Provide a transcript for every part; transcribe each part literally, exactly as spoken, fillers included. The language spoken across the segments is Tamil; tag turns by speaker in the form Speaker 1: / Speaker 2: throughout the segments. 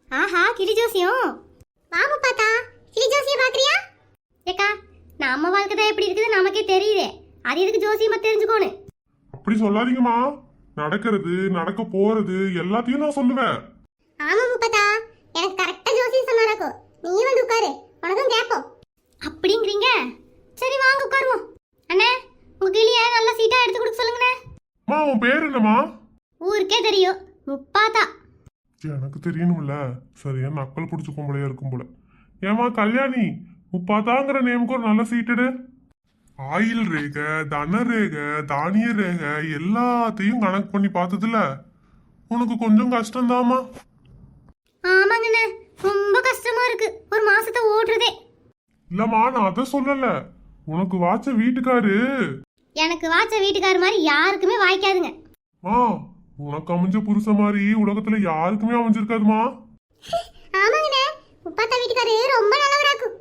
Speaker 1: ஆஹா கிளி ஜோசியம். வாமா பாத்தா கிளி ஜோசியம் பாக்குறியா? ஏக்கா நம்ம வாழ்க்கை தான் எப்படி இருக்குது நமக்கே தெரியுதே, அது எதுக்கு ஜோசியமா தெரிஞ்சுக்கோணும்?
Speaker 2: அப்படி சொல்லாதீங்கம்மா. நடக்கிறது நடக்க போறது எல்லாத்தையும் நான் சொல்லுவேன்.
Speaker 1: ஆமா முப்பத்தா, எனக்கு கரெக்டா ஜோசியம் சொன்னாராக்கோ. நீ வந்து உட்காரு, உனக்கும் கேப்போம். அப்படிங்கிறீங்க? சரி வாங்க உட்காருவோம். அண்ணே உங்க கிளிய நல்ல சீட்டா எடுத்து கொடுக்க சொல்லுங்கண்ணே.
Speaker 2: அம்மா உன் பேர் என்னம்மா?
Speaker 1: ஊருக்கே தெரியும், முப்பாத்தா.
Speaker 2: எனக்கு தெரியணும்ல, சரியா நக்கல் பிடிச்ச கும்பலையா இருக்கும் போல. ஏமா கல்யாணி, முப்பாத்தாங்கிற நேமுக்கு ஒரு நல்ல சீட்டடு. ஆயில் ரேகை, தன ரேகை, தானிய ரேகை எல்லாத்தையும் கணக்கு பண்ணி பார்த்ததுல உனக்கு கொஞ்சம் கஷ்டம்தாம்மா.
Speaker 1: ஆமாங்கண்ணே, ரொம்ப கஷ்டமா இருக்கு ஒரு மாசத்தை ஓட்டுறதே.
Speaker 2: இல்லம்மா நான் அதை சொல்லல, உனக்கு வாச்ச வீட்டுக்காரு.
Speaker 1: எனக்கு வாச்ச வீட்டுக்காரு மாதிரி யாருக்குமே வாய்க்காதுங்க.
Speaker 2: மா உனக்கு அமைஞ்ச புருஷ மாதிரி உலகத்துல யாருக்குமே அமைஞ்சிருக்காதுமா.
Speaker 1: ஆமாங்கண்ணே, முப்பாத்தா வீட்டுக்காரு ரொம்ப நல்லவராக்கும்.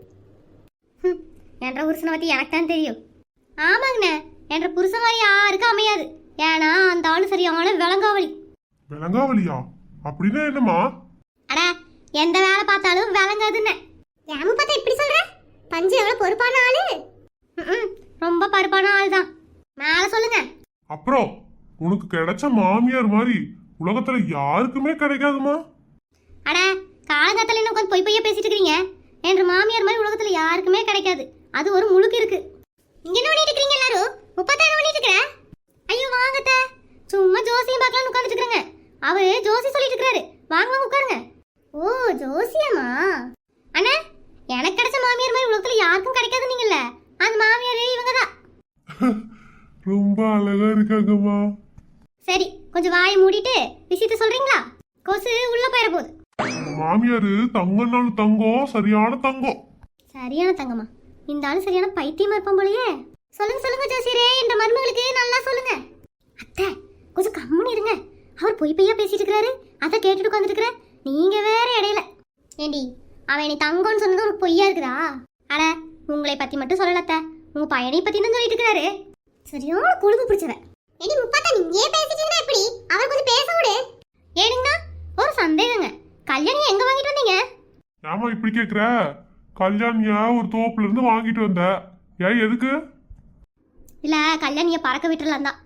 Speaker 1: என்ற புருஷனை பத்தி எனக்கு தான் தெரியும். ஆமாங்கண்ணே, என்ற புருஷன் மாதிரி யாருக்கும் அமையாது. ஏன்னா அந்த ஆளு சரியான விலங்காவலி.
Speaker 2: விலங்காவலியா? அப்படின்னா என்னம்மா?
Speaker 1: அட எந்த வேலை பார்த்தாலும் விளங்காதுன்னு. ஏன் பார்த்தா இப்படி சொல்ற? பஞ்சு எவ்வளவு பொறுப்பான ஆளு. ரொம்ப பருப்பான ஆள் தான். மேல சொல்லுங்க.
Speaker 2: அப்புறம் உனக்கு கிடைச்ச மாமியார் மாதிரி உலகத்துல யாருக்குமே கிடைக்காதுமா.
Speaker 1: அட காலங்காத்தால என்ன உட்காந்து பொய் பொய்யா பேசிட்டு இருக்கீங்க? என்ற மாமியார் மாதிரி உலகத்துல யாருக்குமே கிடைக்காது. அது ஒரு முழுக்கு இருக்கு. இங்க என்ன பண்ணிட்டு இருக்கீங்க எல்லாரும்? முப்பத்தா என்ன பண்ணிட்டு இருக்கற? ஐயோ வாங்கத்த, சும்மா ஜோசியம் பார்க்கலாம்னு உட்கார்ந்துட்டு இருக்கறங்க. அவரு ஜோசி சொல்லிட்டு இருக்காரு. வாங்க வாங்க உட்காருங்க. ஓ ஜோசியமா? அண்ணா எனக்கு கிடைச்ச மாமியார் மாதிரி உலகத்துல யாருக்கும் கிடைக்காது நீங்கல்ல, அந்த மாமியாரே இவங்க தான்.
Speaker 2: ரொம்ப அழகா இருக்காங்கம்மா.
Speaker 1: சரி கொஞ்சம் வாயை மூடிட்டு விஷயத்த சொல்றீங்களா? கொசு உள்ள போயிட போகுது.
Speaker 2: மாமியாரு தங்கம்னாலும் தங்கம், சரியான தங்கம்.
Speaker 1: சரியான தங்கமா? இந்த ஆளு சரியான பைத்தியமா இருப்பான் போலயே. சொல்லுங்க சொல்லுங்க ஜோசியரே, இந்த மருமகளுக்கு நல்லா சொல்லுங்க. அத்தை கொஞ்சம் கம்முன்னு இருங்க. அவர் பொய் பொய்யா பேசிட்டு இருக்காரு, அதை கேட்டுட்டு உட்காந்துட்டு இருக்கிற நீங்க வேற இடையில. ஏண்டி அவன் நீ தங்கம்னு சொன்னது ஒரு பொய்யா இருக்குதா? அட உங்களை பத்தி மட்டும் சொல்லலத்த, உங்க பையனை பத்தி தான் சொல்லிட்டு இருக்காரு. சரியான கொழுப்பு பிடிச்சவன். ஏடி முப்பாத்தா நீ ஏன் பேசிட்டீங்கன்னா எப்படி? அவர் கொஞ்சம் பேச விடு. ஏனுங்கண்ணா ஒரு சந்தேகங்க, கல்யாணி எங்க வாங்கிட்டு வந்தீங்க?
Speaker 2: ஏமா இப்படி கேக்குற? கல்யாணிய ஒரு தோப்புல இருந்து வாங்கிட்டு வந்த. ஏன் எதுக்கு?
Speaker 1: இல்ல கல்யாணிய பறக்க விட்டுறலாம் தான்.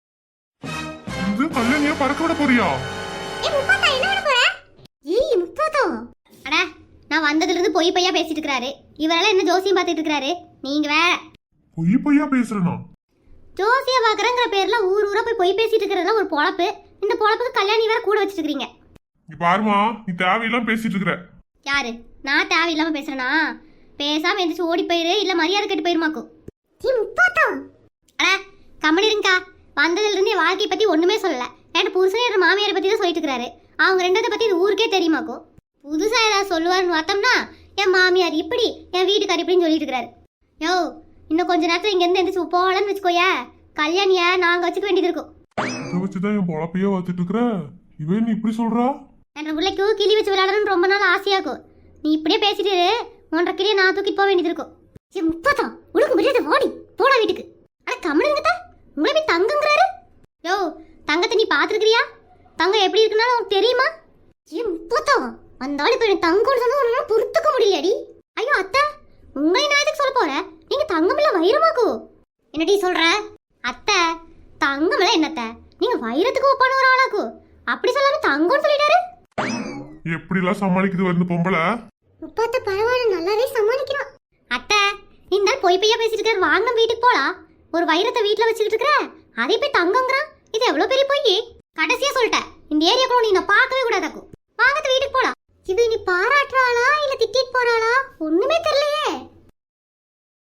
Speaker 2: இது கல்யாணிய பறக்க விட போறியா?
Speaker 1: ஏய் முப்பாத்தா என்ன பண்ண போற? ஏய் முப்பாத்தா, அட நான் வந்ததுல இருந்து பொய் பொய்யா பேசிட்டு இருக்காரு. இவரெல்லாம் என்ன ஜோசியம் பார்த்துட்டு இருக்காரு. நீங்க வேற
Speaker 2: பொய் பொய்யா பேசுறனா?
Speaker 1: ஜோசிய பாக்குறங்கிற பேர்ல ஊர் ஊரா போய் பொய் பேசிட்டு இருக்கிறதுலாம் ஒரு பொழப்பு. இந்த பொழப்புக்கு கல்யாணி வேற கூட வச்சிட்டு இருக்கீங்க.
Speaker 2: நீ பாருமா, நீ தேவையெல்லாம் பேசிட்டு இருக்கிற.
Speaker 1: யாரு? நான் தேவையில்லாம பேசுறேனா? பேசாம எந்திரிச்சு ஓடி போயிரு, இல்ல மரியாதை கெட்டு போயிருமாக்கும். நீ முப்பாத்தா அட கம்மனி இருங்கக்கா. வந்ததுல இருந்து என் வாழ்க்கையை பத்தி ஒண்ணுமே சொல்லல. என் புருஷன் என் மாமியாரை பத்தி தான் சொல்லிட்டு இருக்காரு. அவங்க ரெண்டத்தை பத்தி இது ஊருக்கே தெரியுமாக்கும். புதுசா ஏதாவது சொல்லுவாருன்னு பார்த்தோம்னா என் மாமியார் இப்படி, என் வீட்டுக்கார் இப்படின்னு சொல்லிட்டு இருக்கிறாரு. யோ இன்னும் கொஞ்ச நேரத்துல இங்க இருந்து எந்திரிச்சு போகலன்னு வச்சுக்கோய, கல்யாணிய நாங்க வச்சுக்க வேண்டியது இருக்கும்.
Speaker 2: இதை வச்சுதான் என் பொழப்பையே பார்த்துட்டு இருக்கிற. இவன் நீ இப்படி சொல்றா?
Speaker 1: என் பிள்ளைக்கு கிளி வச்சு விளையாடணும்னு ரொம்ப நாள் ஆசையாக்கும். நீ இப்படியே பேசிட்டு ஒன்றரை கிளியை நான் தூக்கிட்டு போக வேண்டியது இருக்கும். சரி முப்பதா உனக்கு முடியாத வாடி போடா வீட்டுக்கு. ஆனா கம்மனுங்கத்தா உங்களை போய் தங்கங்கிறாரு. யோ தங்கத்தை நீ பாத்துருக்கிறியா? தங்கம் எப்படி இருக்குனாலும் உனக்கு தெரியுமா? ஏன் முப்பதா வந்தாலும் இப்ப எனக்கு தங்கம்னு சொன்னா உன்னால பொறுத்துக்க முடியலடி. ஐயோ அத்தை உங்களை நான் எதுக்கு சொல்ல போறேன்? நீங்க தங்கம் இல்ல வைரமாக்கு. என்னடி சொல்ற? அத்தை தங்கம் இல்ல என்னத்த, நீங்க வைரத்துக்கு ஒப்பான ஒரு ஆளாக்கு. அப்படி சொல்லாம தங்கம்னு சொல்லிட்டாரு.
Speaker 2: எப்படி எல்லாம் சமாளிக்குது வந்து பொம்பளை?
Speaker 1: முப்பாத்த பரவாயில்ல நல்லாவே சமாளிக்கிறான். அத்தை இந்த பொய் பொய்யா பேசிட்டு இருக்காரு. வாங்க வீட்டுக்கு போலாம். ஒரு வைரத்தை வீட்டுல வச்சுக்கிட்டு இருக்கிற, அதே போய் தங்கங்கிறான். இது எவ்வளவு பெரிய பொய். கடைசியா சொல்லிட்டேன், இந்த ஏரியாக்குள்ள நீ நான் பார்க்கவே கூடாதாக்கும். வாங்கத்த வீட்டுக்கு போலாம். இது நீ பாராட்டுறாளா இல்ல திட்டிட்டு போறாளா ஒண்ணுமே தெரியல